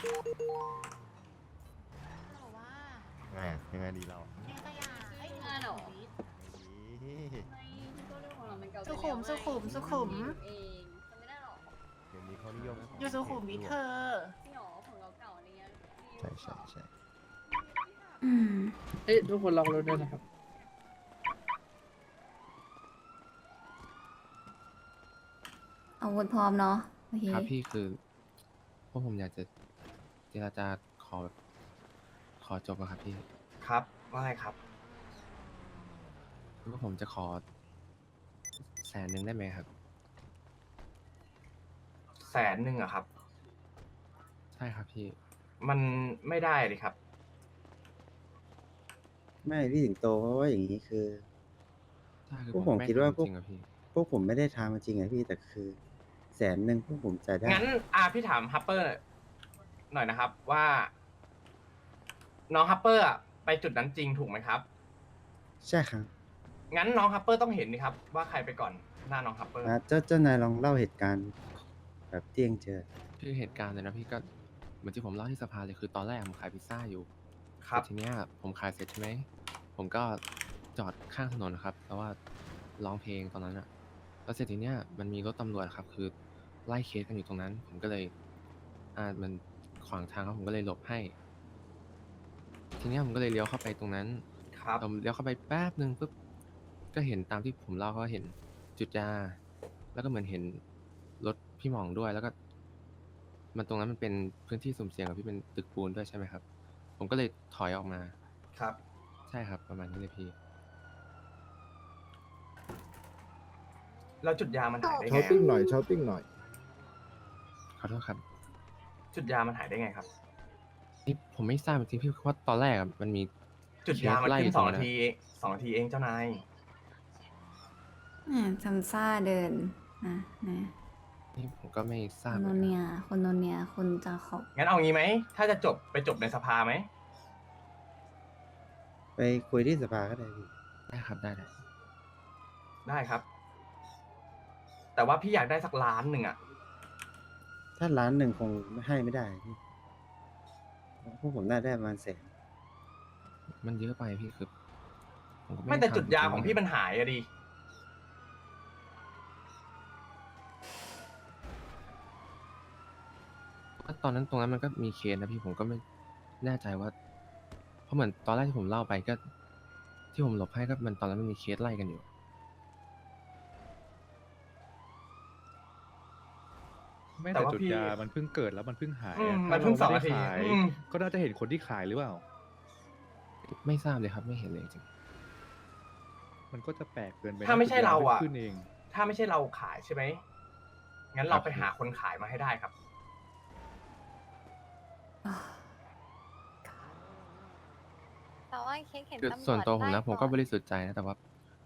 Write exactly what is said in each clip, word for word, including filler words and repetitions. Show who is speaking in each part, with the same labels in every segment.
Speaker 1: บอกว่า
Speaker 2: ไงอะยังไงดีเรา
Speaker 1: เนตยาเอ้ย
Speaker 3: งานเหรอ
Speaker 2: ดี
Speaker 3: ไม่ก็เรื่องของเรามันเก่าไป
Speaker 1: สุ
Speaker 3: แล้ว
Speaker 1: ขุมสุขุมสุขุม
Speaker 3: เองจำไม่ได้หรอ
Speaker 2: เดี๋ยวนี้เขานิยมของ
Speaker 1: อยู่สุขุมวิทเธอ
Speaker 3: จริงเหรอของเราเก่าอะไรเงี้ย
Speaker 2: ใช่ใช่ใช่
Speaker 4: อืม
Speaker 5: เอ้ยทุกคนล็อกรถด้วยนะครับ
Speaker 4: อาวุธพร้อมเนาะโอเค
Speaker 6: ครับพี่คือพวกผมอยากจะเจรจาขอแบบขอจบอะครับพี่
Speaker 7: ครับว่าไงครับ
Speaker 6: พวกผมจะขอแสนหนึ่งได้ไหมครับ
Speaker 7: แสนหนึ่งอะครับ
Speaker 6: ใช่ครับพี่
Speaker 7: มันไม่ได้เลยครับ
Speaker 8: ไม่พี่สิงโตเพราะว่าอย่างนี้คือ
Speaker 6: ใช่คือ
Speaker 8: พวก
Speaker 6: ผ
Speaker 8: ผม ม
Speaker 6: ไม่
Speaker 8: คิดว่า
Speaker 6: ทำ
Speaker 8: พว
Speaker 6: จ
Speaker 8: ก
Speaker 6: ริงๆอะพี่
Speaker 8: พวกผมไม่ได้ทำจริงๆอะพี่แต่คือ แสนหนึ่งพวกผมจ่ายได้
Speaker 7: งั้นอาพี่ถามฮัปเปอร์หน่อยนะครับว่า น้องฮัปเปอร์อะไปจุดนั้นจริงถูกไหมครับ
Speaker 8: ใช่ครับ
Speaker 7: งั้นน้องฮัปเปอร์ต้องเห็นนี่ครับว่าใครไปก่อนหน้าน้องฮัปเปอร์
Speaker 8: อ่ะเจ้าเจ้านายลองเล่าเหตุการณ์แบบเที่ยงเจอ
Speaker 6: คือเหตุการณ์เลยนะพี่ก็เหมือนที่ผมเล่าที่สภาเลยคือตอนแรกผมขายพิซซ่าอยู่
Speaker 7: ครับ
Speaker 6: แต่ทีเนี้ยผมขายเสร็จใช่ไหมผมก็จอดข้างถนนนะครับแล้วว่าร้องเพลงตอนนั้นอะแล้วเสร็จทีเนี้ยมันมีรถตำรวจครับคือไล่เคสกันอยู่ตรงนั้น ผมก็เลยอ่ามันขวางทางครับผมก็เลยหลบให้ ทีเนี้ยผมก็เลยเลี้ยวเข้าไปตรงนั้น
Speaker 7: ครับ
Speaker 6: ผมเลี้ยวเข้าไปแป๊บหนึ่งปุ๊บก็เห็นตามที่ผมเล่าก็เห็นจุดยาแล้วก็เหมือนเห็นรถพี่หม่องด้วย แล้วก็ มันตรงนั้นมันเป็นพื้นที่สุ่มเสี่ยงกับพี่เป็นตึกปูนด้วยใช่ไหมครับ ผมก็เลยถอยออกมา
Speaker 7: ครับ
Speaker 6: ใช่ครับ ประมาณนี้เลยพี่
Speaker 7: แล้วจุดยามันหายได้
Speaker 9: ช้อ
Speaker 7: ไง
Speaker 9: ปปิ้ง
Speaker 7: อะ
Speaker 9: หน่อยช้อปปิ้งหน่อย
Speaker 6: ขอโทษครับ
Speaker 7: จุดยามันหายได้ไงครับ
Speaker 6: นี่ผมไม่ทราบจริงๆพี่เพราะตอนแรกอะมันมี
Speaker 7: จุดยามัน
Speaker 6: เคสไล่
Speaker 7: ขึ้
Speaker 6: ยู่
Speaker 7: นสอง
Speaker 6: ตร
Speaker 7: นา
Speaker 6: นั้น
Speaker 7: ทีสองนาทีเองเจ้านาย
Speaker 4: อ่าทำซ่าเดินอ่ะนะ
Speaker 6: นี่ผมก็ไม่ท
Speaker 4: ค
Speaker 6: ราบ
Speaker 4: น
Speaker 6: เห
Speaker 4: โน
Speaker 6: มือนกัน
Speaker 4: เนียคนโนเนียคนจาขอบ
Speaker 7: งั้นเอางี้ไหม ถ้าจะจบไปจบในสภาไหม
Speaker 8: ไปคุยที่สภาก็ได้พี่
Speaker 6: ได้ครับได้ได้
Speaker 7: ได้ครับ แต่ว่าพี่อยากได้สักล้านหนึ่งอะ
Speaker 8: ถ้าล้านหนึ่งคงไม่ให้ไม่ได้พี่พวกผมน่าได้ประมาณแสน
Speaker 6: มันเยอะไปพี่คือผมก็
Speaker 7: ไม่
Speaker 6: ด้
Speaker 7: แต่
Speaker 6: ทำ
Speaker 7: จุดยา
Speaker 6: จริๆ
Speaker 7: ของพี่มันหายอะดิ
Speaker 6: ว่าตอนนั้นตรงนั้นมันก็มีเคสนะพี่ผมก็ไม่แน่ใจว่า เพราะเหมือนตอนแรกที่ผมเล่าไปก็ ที่ผมหลบให้ก็มันตอนนั้นมันมีเคสไล่กันอยู่
Speaker 10: ไม่
Speaker 7: แต่
Speaker 10: แต่
Speaker 7: ว่า
Speaker 10: จุด
Speaker 7: พี่
Speaker 10: ยามันเพิ่งเกิดแล้วมันเพิ่งหาย
Speaker 7: อืม
Speaker 10: อะ
Speaker 7: มันเพิ่งส
Speaker 10: ถ้า
Speaker 7: อง
Speaker 10: เรา
Speaker 7: นาที
Speaker 10: ไม่ได้ขาย
Speaker 7: อืม
Speaker 10: ก็น่าจะเห็นคนที่ขายหรือเปล่า
Speaker 6: ไม่ทราบเลยครับไม่เห็นเลยจริง
Speaker 10: มันก็จะแปลกเกินไปนะ
Speaker 7: ถ้าไม่ใช่
Speaker 10: จุดย
Speaker 7: เราอะ
Speaker 10: พิ่งขึ้นเอง
Speaker 7: ถ้าไม่ใช่เราขายใช่ไหม งั้นเราไปหาคนขายมาให้ได้ครับ
Speaker 4: อ่า
Speaker 1: แต่ว่าเค้กเห็น
Speaker 6: คือ
Speaker 1: ตำรวจ
Speaker 6: ส่วนตัวผมนะ
Speaker 1: ไล่
Speaker 6: ผมก็
Speaker 1: อน
Speaker 6: บริสุทธิ์ใจนะแต่ว่า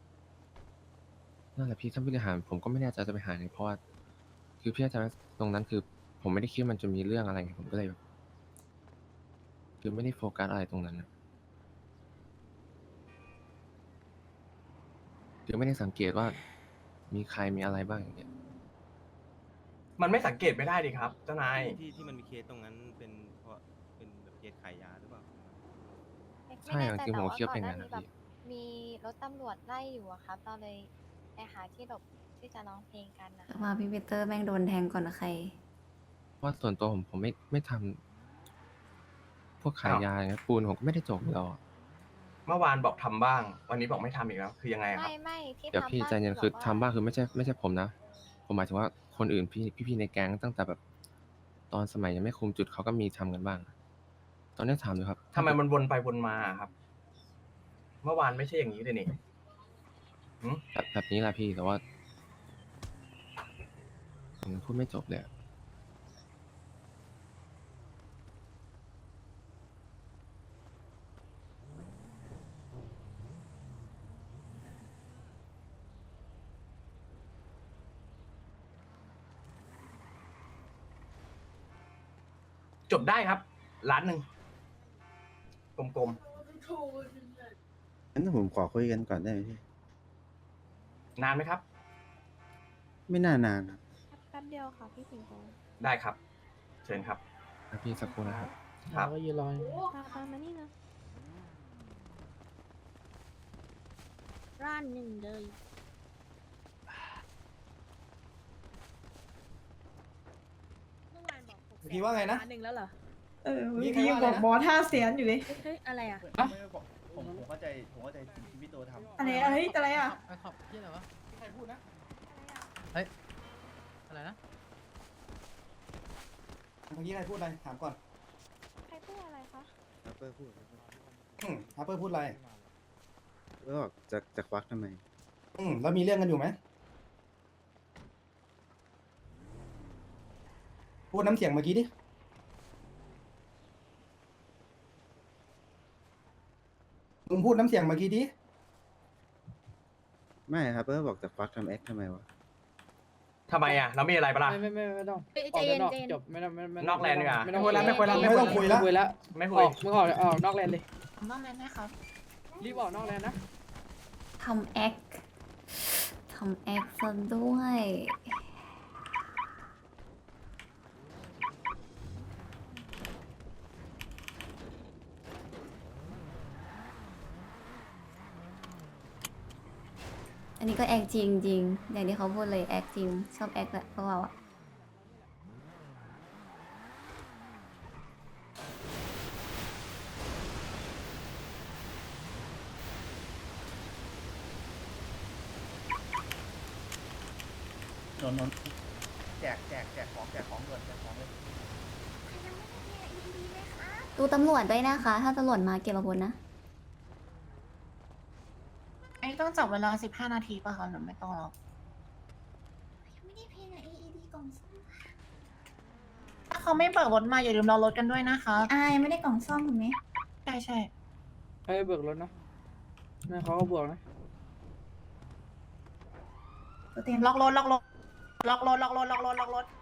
Speaker 6: นั่นแหละพี่ท่านผู้บริหารผมก็ไม่แน่ใจจะไปหาไหนเพราะว่าคือพี่อาจารย์ตรงนั้นคือ ผมไม่ได้คิดว่ามันจะมีเรื่องอะไรไงผมก็เลยแบบคือไม่ได้โฟกัสอะไรตรงนั้นนะคือไม่ได้สังเกตว่ามีใครมีอะไรบ้างอย่างเงี้ย
Speaker 7: มันไม่สังเกตไม่ได้ดิครับ เจ้านาย
Speaker 2: ที่ที่มันมีเคสตรงนั้นเป็นเพราะเป็นแบบเคสขายยาหรือเปล่า
Speaker 6: ใช่จริงๆผมก็คิดว่าเป็นอย่างนั้นนะพี่
Speaker 1: มีรถตำรวจไล่อยู่อะครับเราเลยไปหาที่หลบที่จะร้องเพลงกันนะ
Speaker 4: แต่ว่าพี่ปีเตอร์แม่งโดนแทงก่อนใคร
Speaker 6: เพราะส่วนตัวผมผมไม่ไม่ทำพวกขายยาอย่างเงี้ยปูนผมก็ไม่ได้จบอยู่แล้วอะ
Speaker 7: เมื่อวานบอกทำบ้าง วันนี้บอกไม่ทำอีกแล้ว คือยังไงครับ
Speaker 1: ไม่ไม่ที่
Speaker 6: เดี๋ยว
Speaker 1: ทำ
Speaker 6: พี่
Speaker 1: บ้าน
Speaker 6: ใจเย็น
Speaker 1: บก
Speaker 6: คือ
Speaker 1: ว่
Speaker 6: ทำบ้างคือไม่ใช่ไม่ใช่ผมนะ ผมหมายถึงว่าคนอื่นพี่พี่ๆในแก๊งตั้งแต่แบบ ตอนสมัยยังไม่คุมจุดเขาก็มีทำกันบ้าง ตอนนี้ถามดูครับ
Speaker 7: ทำไมมันวนไปวนมาครับ เมื่อวานไม่ใช่อย่างนี้เลยนี่หึ
Speaker 6: แบบแบบนี้แหละพี่แต่ว่าผมพูดไม่จบเลยอะ
Speaker 7: จบได้ครับ ล้านหนึ่งกลม
Speaker 8: งั้นผมขอคุยกันก่อนได้ไหมพี่
Speaker 7: ๆ นานไหมครับ
Speaker 8: ไม่น่านานครับ
Speaker 1: แป๊บเดียวค่ะพี่สิงโต
Speaker 7: ได้ครับ เชิญครับ
Speaker 6: ครับพี่สักครู่นะครับ
Speaker 7: ครับ
Speaker 5: เราก็ยืนรออยู่
Speaker 1: ตามตามมานี่นะ
Speaker 3: ร้านหนึ่งเลย
Speaker 9: พี่ว่าไงนะ
Speaker 3: หนึ่งแล้วเหรอ
Speaker 11: เออ
Speaker 9: มี
Speaker 11: เมื่อ
Speaker 9: ใคร
Speaker 11: กี้ยัง
Speaker 9: ว่า
Speaker 11: บ
Speaker 9: อะไร
Speaker 11: อก
Speaker 9: นะ
Speaker 11: บอสห้าแสนอยู่เลย
Speaker 3: เฮ้ย อะไรอ่ะ
Speaker 9: ไม่ไม่ผมผมผมเข้าใจผมเข้าใจสิ่งที่พี่โตทำ
Speaker 11: อะไรอะไรอะไรอ่ะ
Speaker 5: ไปขอบที่อะไรวะ
Speaker 9: ใครพูดนะ
Speaker 5: อะไรนะ
Speaker 9: เมื่อกี้ใครพูดอะไรถามก่อน
Speaker 1: ใครพูดอะไรคะ
Speaker 8: ฮัปเปอร์พูด
Speaker 9: อืมฮัปเปอร์พูดอะไร
Speaker 8: แล้วบอกจะจะควักทำไม
Speaker 9: อืมแล้วมีเรื่องกันอยู่ไหมพูดน้ำเสียงเมื่อกี้ดิมึงพูดน้ำเสียงเมื่อกี้ดิ
Speaker 8: ไม่ฮัปเปอร์บอกจะควักทำแอคทำไมวะ
Speaker 7: ทำไมอ่ะ เรามีอะไรปะล่ะ
Speaker 5: ไม่ไม่ไม่ไม่ต้อง
Speaker 3: เฮ้ย
Speaker 5: ออก
Speaker 3: ใจเย็น
Speaker 5: ด้านนอก
Speaker 3: ใจเย็น
Speaker 5: จบไม่ต้องไม่ไม่
Speaker 7: นอกแลนด์ดีกว่า
Speaker 5: ไม่ต้อง
Speaker 7: ไม่คุยแล้วไม่คุยแล้ว
Speaker 9: ไม่ต้องคุยแล้ว
Speaker 5: คุยแล้ว
Speaker 7: ไม่
Speaker 5: อ
Speaker 7: คุ
Speaker 5: อย กมึงออกออกนอกแลนด์เลย
Speaker 11: นอกนั้นนะครับ
Speaker 5: รีบออกนอกแลนด์นะ
Speaker 4: ทำแอค ทำแอคซะด้วย อันนี้ก็แอคจริงจริงอย่างที่เขาพูดเลยแอคจริง ชอบแอคแหละพวกเราอะ
Speaker 9: นนนนแจกแจกแจกของแจกของด่วนแจกของเลย
Speaker 4: ดูตำรวจด้วยนะคะ ถ้าตำรวจมาเก็บอาวุธนะ
Speaker 11: ไอ้ต้องจับเวลาสิบห้านาทีป่ะคะหรือไม่ต้องหรอก
Speaker 1: ไม่ได้เพลงอะ เอ อี ดี กล่องซ่อม
Speaker 11: ถ้าเขาไม่เปิดรถมาอย่าลืมรอรถกันด้วยนะคะอ่ายังไม่ได้กล่องซ่อมถูกไหมใช่ใช่
Speaker 5: ให้เบิกรถนะนั่นเขาก็บวกนะ
Speaker 11: เตรียมล็อกรถล็อกรถล็อกรถล็อกรถล็อกรถล็อกรถ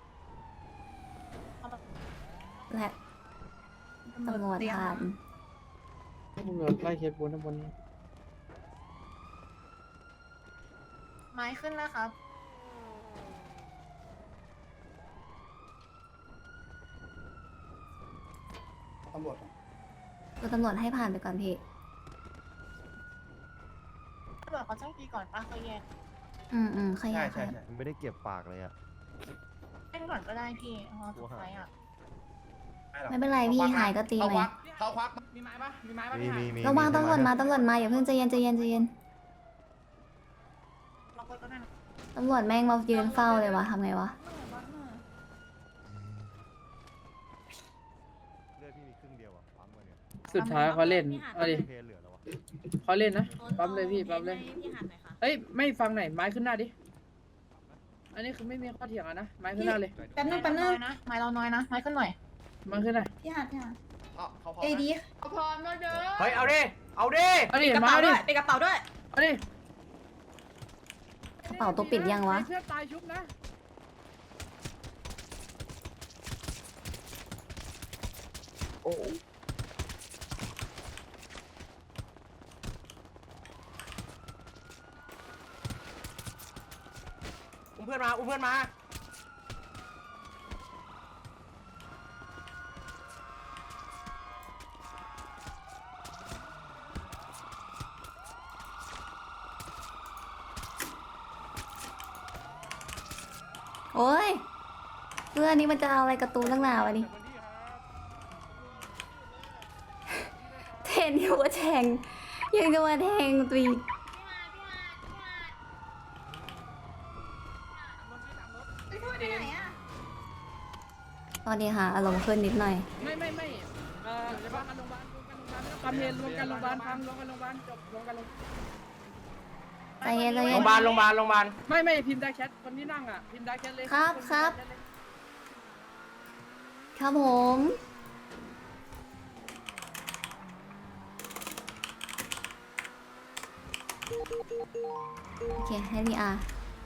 Speaker 4: และตำรวจผ่าน
Speaker 5: ตำรวจไล่เคสบนทั้งบนนี้
Speaker 11: ไม้ขึ้นแล้วครับ
Speaker 9: ตำรวจก่อน
Speaker 4: ดูตำรวจให้ผ่านไปก่อนพี่
Speaker 11: ตำรวจเขาแจ้งทีก่อนป้าเขาแยก
Speaker 4: อืมอืมข
Speaker 9: ใช่
Speaker 4: ยาย
Speaker 9: ใช่
Speaker 4: ค่ะ
Speaker 9: ใช่
Speaker 10: มันไม่ได้เก็บปากเลยอะ
Speaker 11: แจ้งก่อนก็ได้พี่เพราะสุดท้ายอ่ะ
Speaker 4: ไม่เป็นไรพี่หายก็ตีไหม
Speaker 9: เขาควัก
Speaker 7: มีไม้ปะมีไม้ปะ
Speaker 10: มี
Speaker 7: พี่
Speaker 10: มี
Speaker 7: หาย
Speaker 10: มี
Speaker 4: ระวัง
Speaker 10: มี
Speaker 4: ตำรวจมา
Speaker 10: ใช่ไห
Speaker 4: ตำรวจมาอย่าเพิ่งใจเย็นใจเย็นใจเย็น
Speaker 11: ล็อกรถก็ได้นะ
Speaker 4: ตำรวจแม่งมายืนเฝ้าเลยวะทำไงวะ
Speaker 10: เลือดพี่มีครึ่งเดียวอะปั๊มมาเนี่ย
Speaker 5: สุดท้ายเขาเล่นเอาดิ
Speaker 10: เพลเหลือแล้ววะ
Speaker 5: เขาเล่นนะปั๊มเลยพี่ปั๊มเลย
Speaker 3: พี่หันหน่อยค่ะ
Speaker 5: เอ้ยไม่ฟังไหนอยไม้ขึ้นหน้าดิ อันนี้คือไม่มีข้อเถียงอะนะไม้ขึ้นหน้าเลย
Speaker 11: แป๊บนึงแป๊บนึงนะไม้เราน้อยนะไม้ขึ้นหน่อย
Speaker 5: ไม้ขึ้นหน้า
Speaker 11: พี่หัดพี่หัด
Speaker 9: อ๋อเขาพร้อม
Speaker 11: เอ
Speaker 9: นะ
Speaker 11: ดี
Speaker 3: เอาพร้อมแล้วเด้อ
Speaker 7: เฮ้ย เอาดิ เอาดิ
Speaker 5: เอาดิ
Speaker 11: กระ
Speaker 5: มา
Speaker 11: เป๋า
Speaker 5: เอา
Speaker 11: ด้
Speaker 5: ดิ
Speaker 11: วยเป็นกระเป๋าด้วย
Speaker 5: เอาดิ
Speaker 4: กระเป๋าตัวปิดยังวะ
Speaker 5: เพื่อนตายชุบนะ
Speaker 7: อุ้มเพื่อนมา อุ้มเพื่อนมา
Speaker 4: โอ้ยเพื่อนนี้มันจะเอาอะไรการ์ตูนตั้งหนาวะนี่เทนอยู่ว่าแทงยังจะมาแทงตี
Speaker 11: ไปไหนอ่ะ
Speaker 4: ตอนนี้ค่ะอารมณ์ขึ้นนิดหน่อย
Speaker 5: ไม่ไม่ไม่เอ่อรวมกันโรงพยาบาลรวมกันโรงพยาบาลไม่ต้องกำเห็นรวมกันโรงพยาบาลพังรวมกันโรงพยาบาลจบรวมกันโรง
Speaker 4: ใจเย็นใจ
Speaker 7: โร
Speaker 4: เย็
Speaker 7: ง
Speaker 4: น
Speaker 7: พยาบาล โรงพยาบาล โรงพยาบาล
Speaker 5: ไม่ไม่พิมพ์ได้แชทคนที่นั่งอ่ะพิมพ์ได้แชทเลย
Speaker 4: ครับครับ ครับผม โอเค ให้พี่อา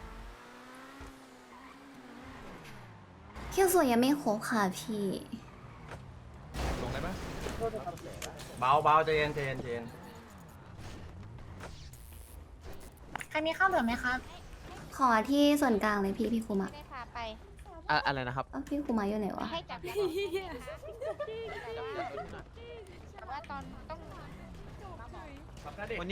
Speaker 4: เขี้ยวสวยยังไม่ครบค่ะพี่
Speaker 10: ลงได้ปะ
Speaker 7: เบาเบาใจเย็นใจเย็นใจเย็น
Speaker 11: ใครมีข้าวเหลือไหมครับ
Speaker 4: ขอที่ส่วนกลางเลยพี่พี่คุมอะ
Speaker 1: ไม่ได้พาไป
Speaker 7: ไอ
Speaker 5: อะอะไรนะครับ
Speaker 4: อ้าวพี่คุมาอยู่ไหนวะ
Speaker 1: ให้จับแต่ว่าตอนต้อง
Speaker 7: ครับณเดชน์